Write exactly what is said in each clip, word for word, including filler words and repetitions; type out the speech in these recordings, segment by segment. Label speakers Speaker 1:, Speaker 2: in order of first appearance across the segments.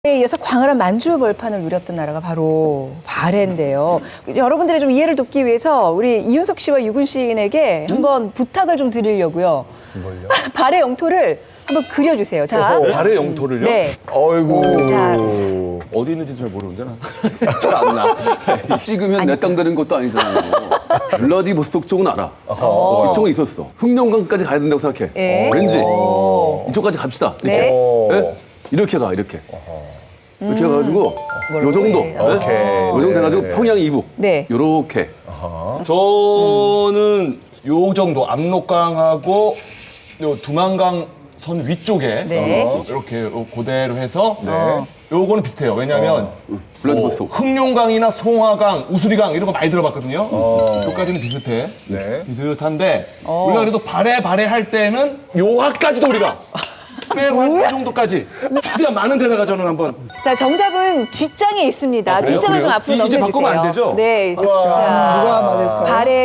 Speaker 1: 이어서 광활한 만주 벌판을 누렸던 나라가 바로 발해인데요. 여러분들의 좀 이해를 돕기 위해서 우리 이윤석 씨와 유근 시인에게 음? 한번 부탁을 좀 드리려고요.
Speaker 2: 뭘요?
Speaker 1: 발해 영토를 한번 그려주세요. 자,
Speaker 2: 어허.
Speaker 3: 발의 영토를요?
Speaker 1: 네.
Speaker 2: 어이구.
Speaker 1: 자,
Speaker 3: 어디 있는지 잘 모르는데 나. 참나.
Speaker 4: 찍으면 내 땅 되는 것도 아니잖아요. 블라디보스톡 쪽은 알아. 어, 이쪽은 있었어. 흑룡강까지 가야 된다고 생각해.
Speaker 1: 예.
Speaker 4: 어, 왠지 이쪽까지 갑시다. 이렇게.
Speaker 1: 네.
Speaker 4: 네? 이렇게 가 이렇게. 이렇게 해가지고
Speaker 1: 음.
Speaker 4: 요 정도.
Speaker 1: 네.
Speaker 4: 네?
Speaker 2: 오케이.
Speaker 4: 요 정도 해가지고
Speaker 2: 네.
Speaker 4: 평양 이북.
Speaker 1: 네.
Speaker 4: 요렇게.
Speaker 3: 저는 요 정도 압록강하고 요 두만강 선 위쪽에
Speaker 1: 네.
Speaker 3: 어, 이렇게 그대로 해서
Speaker 2: 네.
Speaker 3: 요거는 비슷해요. 왜냐하면
Speaker 4: 블라디보스톡.
Speaker 3: 뭐 흑룡강이나 송화강, 우수리강 이런 거 많이 들어봤거든요. 요까지는 비슷해.
Speaker 2: 네.
Speaker 3: 비슷한데 우리가 그래도 발해 발해 할 때는 요화까지도 우리가 빼고 한 그 정도까지 최대한 많은 데다가 저는 한번
Speaker 1: 자, 정답은 뒷장에 있습니다.
Speaker 3: 그래요?
Speaker 1: 뒷장을 좀
Speaker 3: 그래요?
Speaker 1: 앞으로
Speaker 3: 이- 이제
Speaker 1: 넘겨주세요.
Speaker 3: 바꾸면 안 되죠?
Speaker 1: 네. 자,
Speaker 5: 누가 맞을까요?
Speaker 1: 발해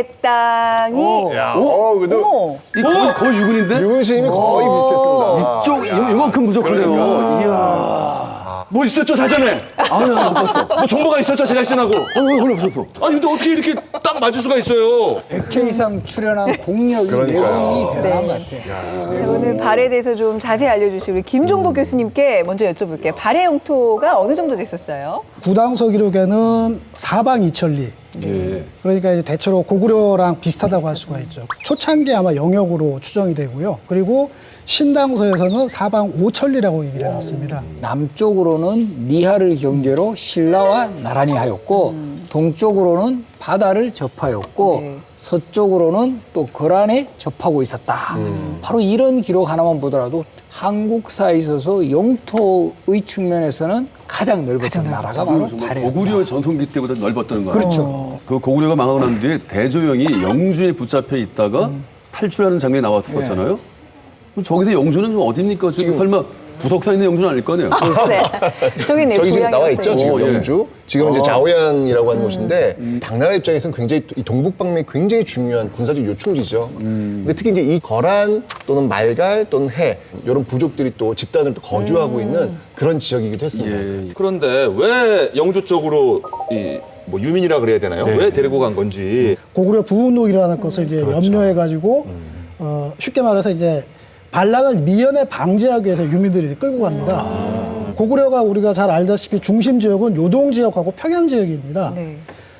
Speaker 1: 땅이
Speaker 2: 야, 어, 그래도
Speaker 1: 어머.
Speaker 4: 이 거의, 거의 유근인데?
Speaker 2: 유근 시임이 거의 비슷했습니다.
Speaker 4: 쪽 이- 이만큼 부족하네요.
Speaker 2: 그러니까.
Speaker 4: 이야.
Speaker 3: 뭐 있었죠 사전에?
Speaker 4: 아야 못 봤어.
Speaker 3: 뭐 정보가 있었죠 제가 시전하고.
Speaker 4: 어, 그걸 없었어.
Speaker 3: 아니 근데 어떻게 이렇게 딱 맞을 수가 있어요?
Speaker 5: 백 회 이상 출연한 공력이
Speaker 2: 그러니까요.
Speaker 5: 내공이 대단한
Speaker 1: 네.
Speaker 5: 것 같아요.
Speaker 1: 자, 오늘 발해에 대해서 좀 자세히 알려주실 우리 김종복 교수님께 먼저 여쭤볼게요. 발해 영토가 어느 정도 됐었어요?
Speaker 6: 구당서 기록에는 사방 이천리.
Speaker 4: 예.
Speaker 6: 그러니까 이제 대체로 고구려랑 비슷하다고 할 수가 있죠. 초창기 아마 영역으로 추정이 되고요. 그리고 신당서에서는 사방 오천리라고 얘기를 해놨습니다.
Speaker 5: 남쪽으로는 니하를 경계로 신라와 나란히 하였고 동쪽으로는 바다를 접하였고
Speaker 1: 네.
Speaker 5: 서쪽으로는 또 거란에 접하고 있었다. 바로 이런 기록 하나만 보더라도 한국사에 있어서 영토의 측면에서는 가장 넓었던 나라가 바로
Speaker 4: 정말
Speaker 5: 발해였다.
Speaker 4: 고구려 전성기 때보다 넓었다는 거예요.
Speaker 5: 그렇죠.
Speaker 4: 그 고구려가 망하고 난 뒤에 대조영이 영주에 붙잡혀 있다가 탈출하는 장면이 나왔었잖아요. 그럼 저기서 영주는 어딥니까? 지금 설마 부석사 있는 영주는 아닐 거 아니에요?
Speaker 1: 네. 저기 네,
Speaker 2: 저기 지금 나와 있죠,
Speaker 1: 조양이었어요.
Speaker 2: 지금
Speaker 4: 오, 예.
Speaker 2: 영주. 지금 이제 자오양이라고 하는 곳인데 당나라 입장에서는 굉장히 이 동북방면이 굉장히 중요한 군사적 요충지죠. 근데 특히 이제 이 거란 또는 말갈 또는 해 이런 부족들이 또 집단으로 또 거주하고 있는 그런 지역이기도 했습니다.
Speaker 4: 예.
Speaker 3: 그런데 왜 영주 쪽으로 이 뭐 유민이라 그래야 되나요? 왜 데리고 간 건지.
Speaker 6: 고구려 부운동이라는 것을 이제 염려해가지고 어, 쉽게 말해서 이제 반란을 미연에 방지하기 위해서 유민들이 끌고 갑니다. 고구려가 우리가 잘 알다시피 중심 지역은 요동 지역하고 평양 지역입니다.
Speaker 1: 네.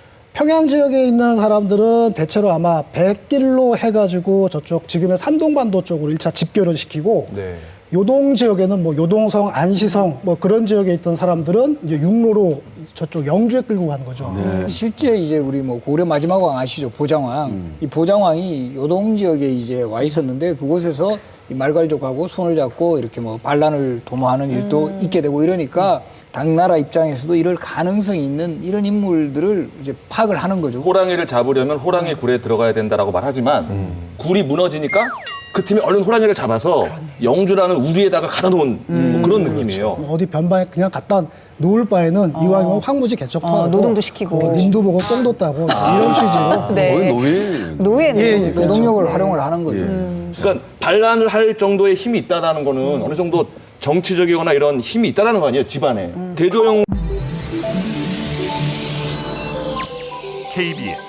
Speaker 6: 평양 지역에 있는 사람들은 대체로 아마 백길로 해가지고 저쪽 지금의 산동반도 쪽으로 일 차 집결을 시키고
Speaker 2: 네.
Speaker 6: 요동 지역에는 뭐 요동성, 안시성 뭐 그런 지역에 있던 사람들은 이제 육로로 저쪽 영주에 끌고 가는 거죠.
Speaker 5: 실제 이제 우리 뭐 고구려 마지막 왕 아시죠? 보장왕. 이 보장왕이 요동 지역에 이제 와 있었는데 그곳에서 이 말갈족하고 손을 잡고 이렇게 뭐 반란을 도모하는 일도 있게 되고 이러니까 당나라 입장에서도 이럴 가능성이 있는 이런 인물들을 이제 파악을 하는 거죠.
Speaker 3: 호랑이를 잡으려면 호랑이 굴에 들어가야 된다라고 말하지만 굴이 무너지니까 그 팀이 얼른 호랑이를 잡아서 영주라는 우리에다가 가다 놓은 뭐 그런 느낌이에요.
Speaker 6: 어디 변방에 그냥 갖다 놓을 바에는 이왕이면 황무지 개척하고
Speaker 1: 어, 노동도 시키고.
Speaker 6: 어, 님도 보고 똥도 따고 이런 취지로
Speaker 1: 네.
Speaker 4: 거의 노예.
Speaker 1: 노예는.
Speaker 6: 예, 예,
Speaker 5: 그 노동력을 활용을 하는 거죠.
Speaker 3: 그러니까 반란을 할 정도의 힘이 있다라는 거는 어느 정도 정치적이거나 이런 힘이 있다라는 거 아니에요, 집안에. 대조영
Speaker 7: 케이비에스